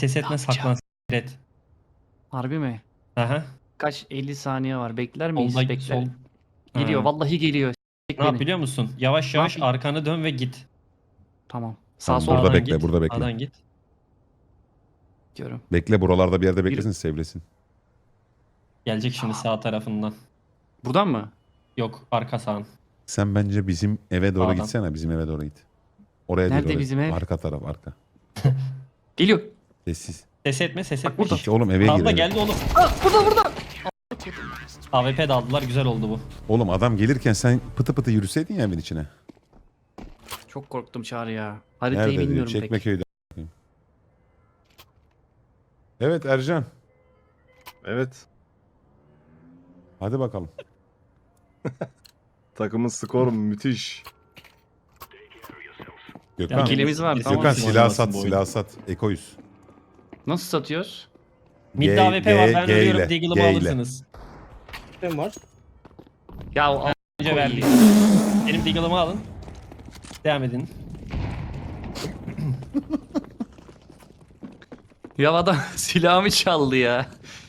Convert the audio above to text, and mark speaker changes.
Speaker 1: ses etme, saklan. Et.
Speaker 2: Harbi mi?
Speaker 1: Aha.
Speaker 2: Kaç 50 saniye var. Bekler miyiz?
Speaker 1: Solda
Speaker 2: Bekler.
Speaker 1: sol.
Speaker 2: Geliyor.
Speaker 1: Ha.
Speaker 2: Vallahi geliyor. S**k
Speaker 1: Ne yap
Speaker 2: beni.
Speaker 1: biliyor musun? Yavaş
Speaker 2: Ne
Speaker 1: yavaş
Speaker 2: yapayım?
Speaker 1: arkanı dön ve git.
Speaker 2: Tamam. Sağ
Speaker 3: Tamam,
Speaker 2: sol
Speaker 3: burada
Speaker 1: Sağdan
Speaker 3: bekle,
Speaker 1: git.
Speaker 3: burada bekle.
Speaker 1: Sağdan git.
Speaker 2: diyorum.
Speaker 3: Bekle, buralarda bir yerde beklesin, sevlesin.
Speaker 1: Gelecek şimdi sağ tarafından.
Speaker 2: Buradan mı?
Speaker 1: Yok, arka sağın.
Speaker 3: Sen bence bizim eve doğru
Speaker 1: Sağdan.
Speaker 3: gitsene, bizim eve doğru git. Oraya
Speaker 2: Nerede
Speaker 3: değil, oraya.
Speaker 2: bizim ev?
Speaker 3: Arka taraf, arka.
Speaker 2: Geliyor.
Speaker 3: Sessiz.
Speaker 1: Ses etme, ses etme.
Speaker 2: burada.
Speaker 3: İşte oğlum eve
Speaker 1: Sağda
Speaker 3: gir.
Speaker 1: geldi oğlum.
Speaker 2: Burada.
Speaker 1: AWP de aldılar, güzel oldu bu.
Speaker 3: Oğlum adam gelirken sen pıtı pıtı yürüseydin ya evin içine.
Speaker 2: Çok korktum Çağrı ya. Haritayı
Speaker 3: Nerede diyor,
Speaker 2: bilmiyorum pek.
Speaker 3: Çekmeköy'de. Evet Ercan.
Speaker 4: Evet.
Speaker 3: Hadi bakalım.
Speaker 4: Takımın skoru müthiş.
Speaker 3: Gökhan.
Speaker 2: İkilimiz var, tamam.
Speaker 3: Gökhan
Speaker 1: Kim
Speaker 3: silah
Speaker 1: oynamasın
Speaker 3: sat,
Speaker 1: bu
Speaker 3: silah
Speaker 1: oyunu?
Speaker 3: sat. Ekoyuz.
Speaker 2: Nasıl satıyoruz?
Speaker 1: Mid'de
Speaker 3: G-
Speaker 1: AWP var,
Speaker 3: G-
Speaker 1: ben
Speaker 3: G
Speaker 1: ölüyorum.
Speaker 3: ile,
Speaker 1: Deagle'ımı
Speaker 3: G ile.
Speaker 1: alırsınız.
Speaker 5: Kim var?
Speaker 2: Ya al.
Speaker 1: Önce verdi. Benim Deagle'ımı alın. Devam edin.
Speaker 2: Ya adam silahımı çaldı ya.